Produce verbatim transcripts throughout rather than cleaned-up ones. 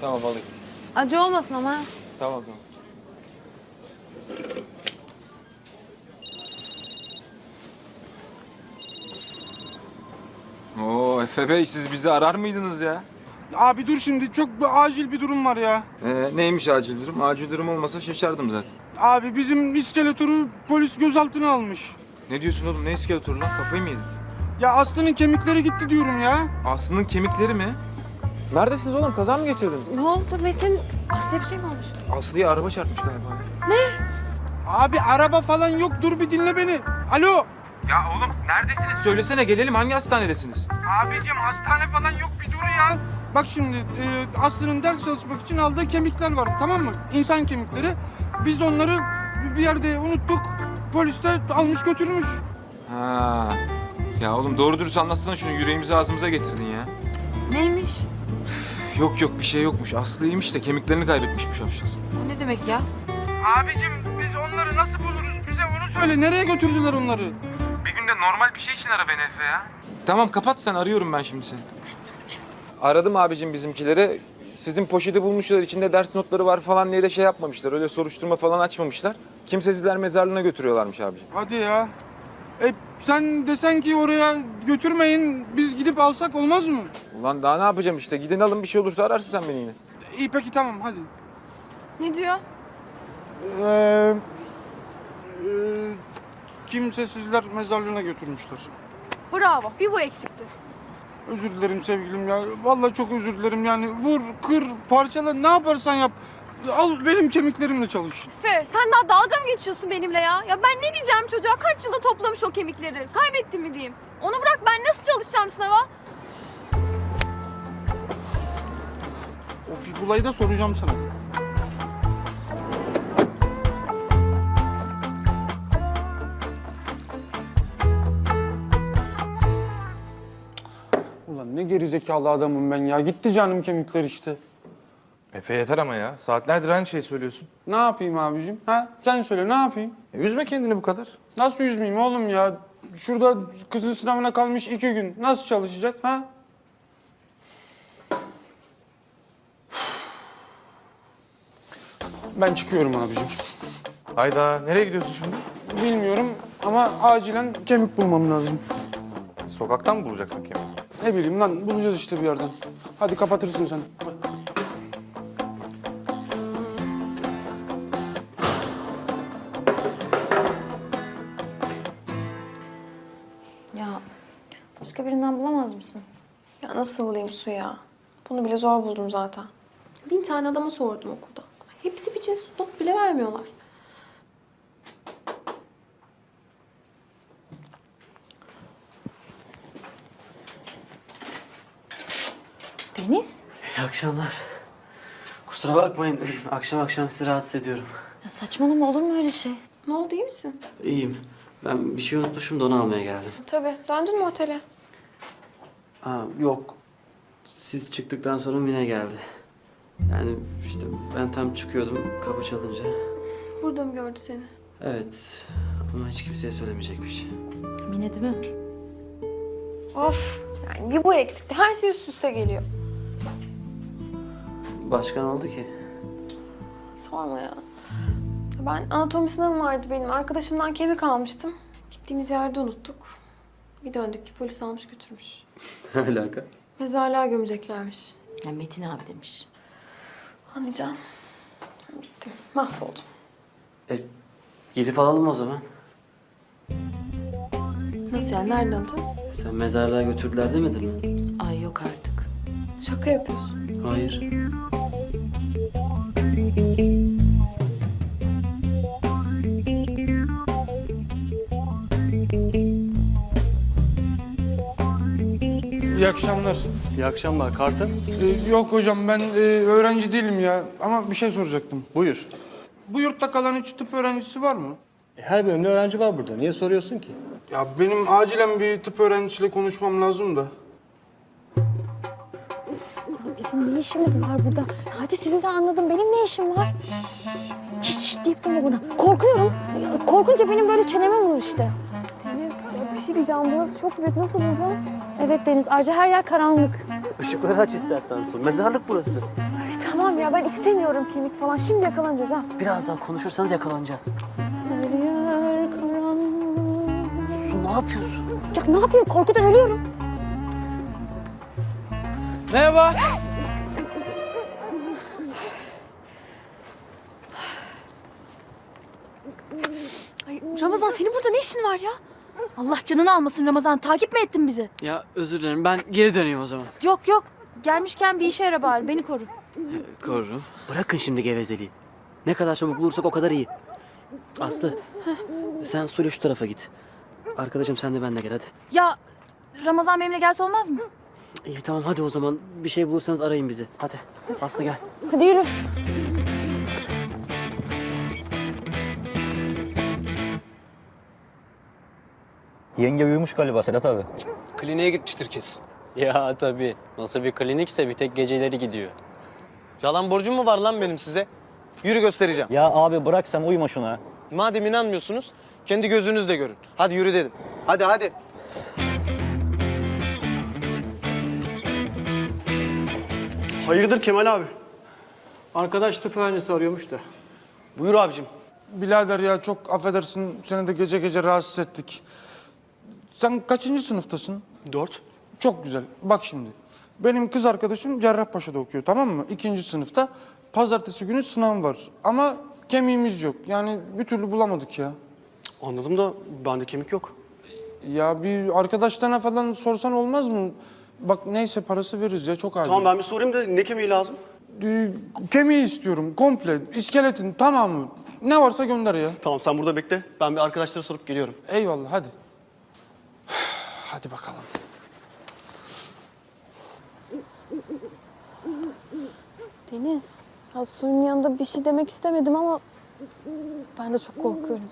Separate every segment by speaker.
Speaker 1: Tamam alayım.
Speaker 2: Acı olmasın ama.
Speaker 1: Tamam tamam. Oo Efe Bey, siz bizi arar mıydınız ya?
Speaker 3: Abi dur şimdi, çok bir acil bir durum var ya.
Speaker 1: Ee, neymiş acil durum? Acil durum olmasa şaşardım zaten.
Speaker 3: Abi bizim iskeletoru polis gözaltına almış.
Speaker 1: Ne diyorsun oğlum? Ne iskeletörü lan? Kafayı mı yedin?
Speaker 3: Ya Aslı'nın kemikleri gitti diyorum ya.
Speaker 1: Aslı'nın kemikleri mi? Neredesiniz oğlum? Kaza mı geçirdiniz?
Speaker 2: Ne oldu Metin? Aslı'ya bir şey mi olmuş?
Speaker 1: Aslı'ya araba çarpmış galiba.
Speaker 3: Abi araba falan yok, dur bir dinle beni. Alo.
Speaker 1: Ya oğlum neredesiniz? Söylesene, gelelim. Hangi hastanedesiniz?
Speaker 3: Abicim hastane falan yok, bir dur ya. Bak şimdi e, Aslı'nın ders çalışmak için aldığı kemikler var, tamam mı? İnsan kemikleri. Biz onları bir yerde unuttuk. Polis de almış götürmüş.
Speaker 1: Ha. Ya oğlum doğru dürüst anlatsana şunu. Yüreğimizi ağzımıza getirdin ya.
Speaker 2: Neymiş?
Speaker 1: Yok yok, bir şey yokmuş. Aslı iyiymiş de kemiklerini kaybetmiş bu şapşal.
Speaker 2: O ne demek ya?
Speaker 3: Abicim biz onları nasıl buluruz? Bize onu söyle. Nereye götürdüler onları?
Speaker 1: Bir günde normal bir şey için ara beni Efe ya. Tamam kapat sen, arıyorum ben şimdi seni. Aradım abicim bizimkileri. Sizin poşeti bulmuşlar, içinde ders notları var falan diye de şey yapmamışlar. Öyle soruşturma falan açmamışlar. Kimsesizler mezarlığına götürüyorlarmış abicim.
Speaker 3: Hadi ya. E sen desen ki oraya götürmeyin, biz gidip alsak olmaz mı?
Speaker 1: Ulan daha ne yapacağım işte. Gidin alın, bir şey olursa ararsın sen beni yine.
Speaker 3: İyi peki tamam hadi.
Speaker 4: Ne diyor?
Speaker 3: Ee, e, kimsesizler mezarlığına götürmüşler.
Speaker 4: Bravo. Bir bu eksikti.
Speaker 3: Özür dilerim sevgilim ya. Vallahi çok özür dilerim yani. Vur, kır, parçala, ne yaparsan yap. Al benim kemiklerimle çalış.
Speaker 4: Fe, sen daha dalga mı geçiyorsun benimle ya? Ya ben ne diyeceğim çocuğa? Kaç yılda toplamış o kemikleri? Kaybettim mi diyeyim? Onu bırak, ben nasıl çalışacağım sınava?
Speaker 3: O figulayı da soracağım sana. Ulan ne gerizekalı adamım ben ya. Gitti canım kemikler işte.
Speaker 5: Efe yeter ama ya. Saatlerdir aynı şeyi söylüyorsun.
Speaker 3: Ne yapayım abicim? Ha? Sen söyle ne yapayım?
Speaker 5: E, üzme kendini bu kadar.
Speaker 3: Nasıl üzmeyeyim oğlum ya? Şurada kızın sınavına kalmış iki gün. Nasıl çalışacak ha? Ben çıkıyorum abicim.
Speaker 5: Hayda, nereye gidiyorsun şimdi?
Speaker 3: Bilmiyorum ama acilen kemik bulmam lazım.
Speaker 5: Sokaktan mı bulacaksın kemiği?
Speaker 3: Ne bileyim lan, bulacağız işte bir yerden. Hadi kapatırsın sen.
Speaker 6: Ya başka birinden bulamaz mısın?
Speaker 4: Ya nasıl bulayım Su ya? Bunu bile zor buldum zaten. Bin tane adama sordum okulda. Hepsi bir cins not bile vermiyorlar.
Speaker 6: Deniz?
Speaker 7: İyi akşamlar. Kusura bakmayın. Akşam akşam sizi rahatsız ediyorum.
Speaker 6: Ya saçmalama, olur mu öyle şey?
Speaker 4: Ne oldu, iyi misin?
Speaker 7: İyiyim. Ben bir şey unutmuşum da onu almaya geldim.
Speaker 4: Tabii. Döndün mü otele?
Speaker 7: Ha, yok. Siz çıktıktan sonra Mine geldi. Yani işte ben tam çıkıyordum kapı çalınca.
Speaker 4: Burada mı gördü seni?
Speaker 7: Evet ama hiç kimseye söylemeyecekmiş.
Speaker 6: Mine değil mi?
Speaker 4: Of. Yani bir bu eksikti. Her şey üst üste geliyor.
Speaker 7: Başka ne oldu ki?
Speaker 4: Sorma ya. Ben anatomi sınavım vardı benim. Arkadaşımdan kemik almıştım. Gittiğimiz yerde unuttuk. Bir döndük ki polis almış götürmüş.
Speaker 7: Ne alaka?
Speaker 4: Mezarlığa gömeceklermiş.
Speaker 6: Ya Metin abi demiş.
Speaker 4: Anlayacağım. Bittim. Mahvoldum.
Speaker 7: E, gidip alalım o zaman.
Speaker 4: Nasıl yani? Nereden alacağız?
Speaker 7: Sen mezarlığa götürdüler demedin mi?
Speaker 6: Ay yok artık.
Speaker 4: Şaka yapıyorsun.
Speaker 7: Hayır.
Speaker 3: İyi akşamlar.
Speaker 8: İyi akşamlar. Kartın?
Speaker 3: Ee, yok hocam, ben e, öğrenci değilim ya. Ama bir şey soracaktım.
Speaker 8: Buyur.
Speaker 3: Bu yurtta kalan hiç tıp öğrencisi var mı?
Speaker 8: E, Her bölümde öğrenci var burada. Niye soruyorsun ki?
Speaker 3: Ya benim acilen bir tıp öğrencisiyle konuşmam lazım da.
Speaker 6: Bizim ne işimiz var burada? Hadi sizi de anladım. Benim ne işim var? Şşş şş deyip durma bana. Korkuyorum. Ya, korkunca benim böyle çeneme vurur işte.
Speaker 4: Deniz, ya bir şey diyeceğim. Burası çok büyük. Nasıl bulacağız?
Speaker 6: Evet Deniz, ayrıca her yer karanlık.
Speaker 8: Işıkları aç istersen Su. Mezarlık burası.
Speaker 6: Ay, tamam. ya. Ben istemiyorum kemik falan. Şimdi yakalanacağız ha.
Speaker 7: Birazdan konuşursanız yakalanacağız.
Speaker 6: Her yer karanlık.
Speaker 7: Su ne yapıyorsun?
Speaker 6: Ya ne yapayım? Korkudan ölüyorum.
Speaker 7: Merhaba.
Speaker 9: Ay, Ramazan senin burada ne işin var ya? Allah canını almasın Ramazan. Takip mi ettin bizi?
Speaker 7: Ya özür dilerim, ben geri döneyim o zaman.
Speaker 9: Yok yok. Gelmişken bir işe yara bari. Beni koru.
Speaker 7: Korurum. Bırakın şimdi gevezeliği. Ne kadar çabuk bulursak o kadar iyi. Aslı, sen Sule şu tarafa git. Arkadaşım sen de benimle gel hadi.
Speaker 9: Ya Ramazan benimle gelse olmaz mı?
Speaker 7: İyi tamam hadi o zaman. Bir şey bulursanız arayın bizi. Hadi. Aslı gel.
Speaker 6: Hadi yürü.
Speaker 8: Yenge uyumuş galiba Sedat abi.
Speaker 10: Kliniğe gitmiştir kesin.
Speaker 11: Ya tabii. Nasıl bir klinikse bir tek geceleri gidiyor.
Speaker 10: Yalan borcum mu var lan benim size? Yürü göstereceğim.
Speaker 8: Ya abi bırak sen uyuma şuna.
Speaker 10: Madem inanmıyorsunuz, kendi gözünüzle görün. Hadi yürü dedim. Hadi hadi.
Speaker 8: Hayırdır Kemal abi? Arkadaş tıp öğrencisi arıyormuş da.
Speaker 10: Buyur abicim.
Speaker 3: Birader ya çok affedersin seni de gece gece rahatsız ettik. Sen kaçıncı sınıftasın?
Speaker 8: Dört.
Speaker 3: Çok güzel. Bak şimdi. Benim kız arkadaşım Cerrahpaşa'da okuyor, tamam mı? İkinci sınıfta. Pazartesi günü sınav var. Ama kemiğimiz yok. Yani bir türlü bulamadık ya.
Speaker 8: Anladım da bende kemik yok.
Speaker 3: Ya bir arkadaşlarına falan sorsan olmaz mı? Bak neyse parası veririz ya, çok acil.
Speaker 8: Tamam ben bir sorayım da ne kemiği lazım?
Speaker 3: Ee, kemiği istiyorum komple. İskeletin tamamı. Ne varsa gönder ya.
Speaker 8: Tamam sen burada bekle. Ben bir arkadaşlara sorup geliyorum.
Speaker 3: Eyvallah hadi. Hadi bakalım.
Speaker 4: Deniz, ya suyun yanında bir şey demek istemedim ama ben de çok korkuyorum.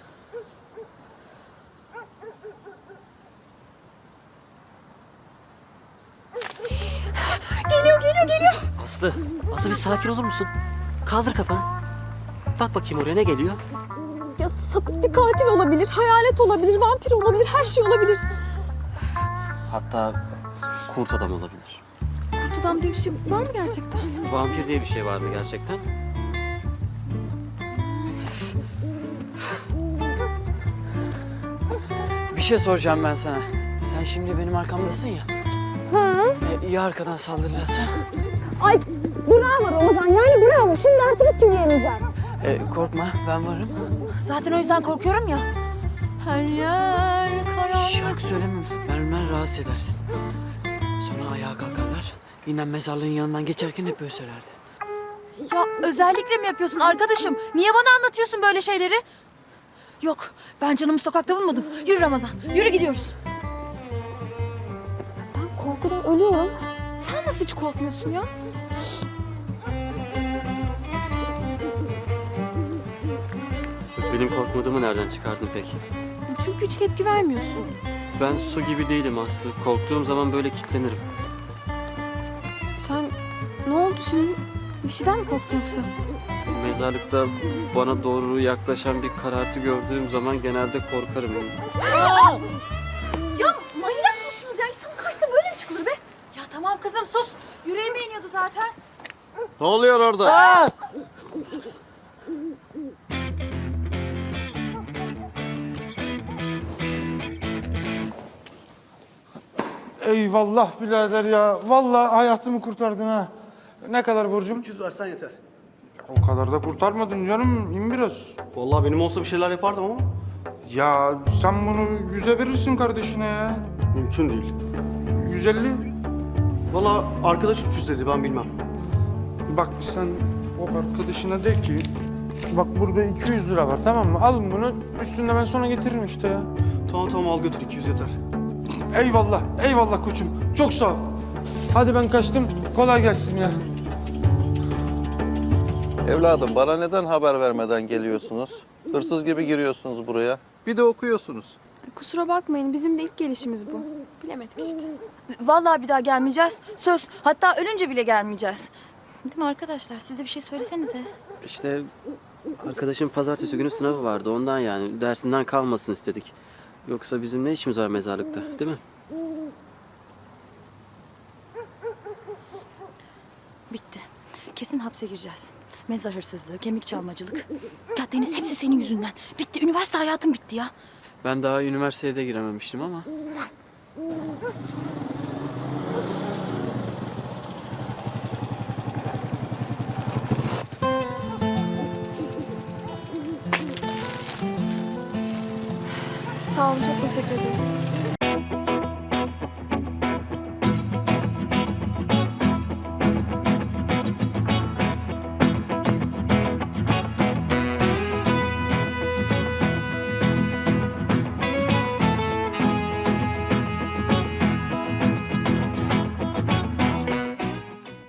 Speaker 9: Geliyor geliyor geliyor.
Speaker 7: Aslı, Aslı bir sakin olur musun? Kaldır kafanı. Bak bakayım oraya ne geliyor?
Speaker 4: Ya sapık bir katil olabilir, hayalet olabilir, vampir olabilir, her şey olabilir.
Speaker 7: Hatta kurt adam olabilir.
Speaker 4: Kurt adam diye bir şey var mı gerçekten?
Speaker 7: Vampir diye bir şey vardı gerçekten. Bir şey soracağım ben sana. Sen şimdi benim arkamdasın ya.
Speaker 6: Ha?
Speaker 7: E, ya arkadan saldırırlarsa?
Speaker 6: Ay bravo Ramazan. Yani bravo. Şimdi artık hiç yürüyemeyeceğim.
Speaker 7: E, korkma ben varım.
Speaker 9: Zaten o yüzden korkuyorum ya. Her yer karanlık.
Speaker 7: Şarkı söylemem. Ben ölmen rahatsız edersin. Sonra ayağa kalkarlar. Yine mezarlığın yanından geçerken hep böyle söylerdi.
Speaker 9: Ya özellikle mi yapıyorsun arkadaşım? Niye bana anlatıyorsun böyle şeyleri? Yok, ben canımı sokakta bulmadım. Yürü Ramazan, yürü gidiyoruz.
Speaker 4: Ben korkudan ölüyorum. Sen nasıl hiç korkmuyorsun ya?
Speaker 7: Benim korkmadığımı nereden çıkardın peki?
Speaker 4: Çünkü hiç tepki vermiyorsun.
Speaker 7: Ben su gibi değilim Aslı. Korktuğum zaman böyle kilitlenirim.
Speaker 4: Sen ne oldu şimdi? Bir şeyden mi korktun yoksa?
Speaker 7: Mezarlıkta bana doğru yaklaşan bir karartı gördüğüm zaman genelde korkarım.
Speaker 9: Ya manyak mısınız ya? İnsanın karşısına böyle mi çıkılır be? Ya tamam kızım sus. Yüreğime iniyordu zaten.
Speaker 10: Ne oluyor orada?
Speaker 3: Eyvallah birader ya. Vallahi hayatımı kurtardın ha. Ne kadar borcum?
Speaker 8: üç yüz versen yeter.
Speaker 3: O kadar da kurtarmadın canım. İn biraz.
Speaker 8: Vallahi benim olsa bir şeyler yapardım ama
Speaker 3: Ya sen bunu yüze verirsin kardeşine ya.
Speaker 8: mümkün değil.
Speaker 3: yüz elli.
Speaker 8: Vallahi arkadaş üç yüz dedi ben bilmem.
Speaker 3: Bak sen o arkadaşına de ki bak burada iki yüz lira var, tamam mı? Alın bunu, üstünde ben sonra getiririm işte ya.
Speaker 8: Tamam tamam al götür iki yüz yeter.
Speaker 3: Eyvallah, eyvallah koçum. Çok sağ ol. Hadi ben kaçtım. Kolay gelsin ya.
Speaker 12: Evladım bana neden haber vermeden geliyorsunuz? Hırsız gibi giriyorsunuz buraya. Bir de okuyorsunuz.
Speaker 4: Kusura bakmayın, bizim de ilk gelişimiz bu. Bilemedik işte.
Speaker 9: Vallahi bir daha gelmeyeceğiz. Söz. Hatta ölünce bile gelmeyeceğiz. Değil mi arkadaşlar? Siz de bir şey söylesenize.
Speaker 7: İşte arkadaşım pazartesi günü sınavı vardı ondan yani. Dersinden kalmasın istedik. Yoksa bizim ne işimiz var mezarlıkta değil mi?
Speaker 9: Bitti. kesin hapse gireceğiz. Mezar hırsızlığı, kemik çalmacılık. Ya Deniz hepsi senin yüzünden. Bitti, üniversite hayatım bitti ya.
Speaker 7: Ben daha üniversiteye de girememiştim ama.
Speaker 4: Sağ olun, çok teşekkür ederiz.